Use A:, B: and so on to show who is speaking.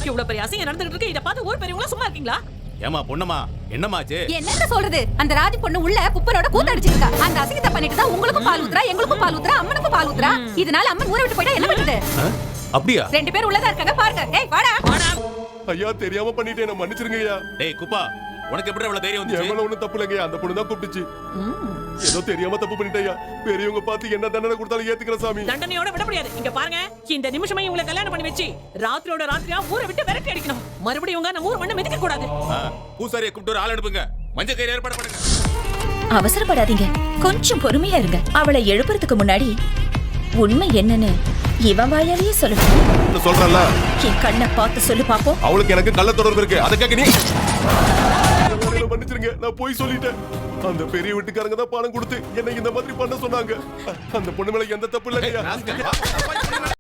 A: இவ்வளவு பெரிய அசிங்கம் நடந்துகிட்டு இருக்கு. இத பார்த்து ஊர் பெரியவங்க சும்மா இருக்கீங்களா?
B: ஏமா பொண்ணம்மா என்னமாச்சு?
C: என்னன்னு சொல்றது? அந்த ராஜி பொண்ணு உள்ள குப்பரோட கூத்தடிச்சிருக்கா. அந்த அசிங்கத்தை பண்ணிட்டு தான் உங்களுக்கும் பால் ஊத்துறா, எங்களுக்கும் பால் ஊத்துறா, அம்மனுக்கும் பால் ஊத்துறா. இதனால அம்மன் ஊரை விட்டு போயிட்டா என்ன பண்றது?
B: அப்படியா?
C: 2 பேர் உள்ளதா இருக்காங்க பாருங்க. டேய் வாடா.
D: ஐயா தெரியாம பண்ணிட்டேன், என்ன மன்னிச்சிருங்க ஐயா.
B: டேய் குப்பா, உனக்கு எப்படி இவ்வளவு தைரியம் வந்துச்சு?
D: எவ்வளவு ஒண்ணும் தப்பு இல்லைங்க, அந்த பொண்ணு தான் கூப்பிட்டுச்சு. ஏதோ தெரியாம தப்பு பண்ணிட்டேயா. பெரியவங்க பார்த்து என்ன தண்டனை கொடுத்தாலும் ஏத்துக்கிற சாமி.
A: தண்டனையோட விட முடியாது. இங்க பாருங்க, இந்த நிமிஷமே இவங்களை கல்யாணம் பண்ணி வச்சு ராத்திரியோட ராத்திரியா ஊரை விட்டு விரட்டி அடிக்கணும். மறுபடியும் இவங்க நம்ம ஊர் மண்ணை மிதிக்க கூடாது.
B: பூசாரியை கூப்பிட்டு ஒரு ஆள் அனுப்புங்க. மஞ்சள் கயிறு ஏற்பாடு பண்ணுங்க.
E: அவசரப்படாதீங்க, கொஞ்சம் பொறுமையா இருங்க. அவளை எழுப்புறதுக்கு முன்னாடி உண்மை என்னன்னு இவன் வாயாலேயே சொல்லணும்.
D: சொல்றல,
E: என் கண்ணை பார்த்து சொல்லு பாப்போம்.
D: அவளுக்கு எனக்கு கள்ள தொடர்பு இருக்கு, அதுக்காக நீ மன்னிச்சிருங்க. நான் போய் சொல்லிட்டேன். அந்த பெரிய வீட்டுக்காரங்க தான் பணம் கொடுத்து என்னை இந்த மாதிரி பண்ண சொன்னாங்க. அந்த பொண்ணு மேல எந்த தப்பு இல்லையா.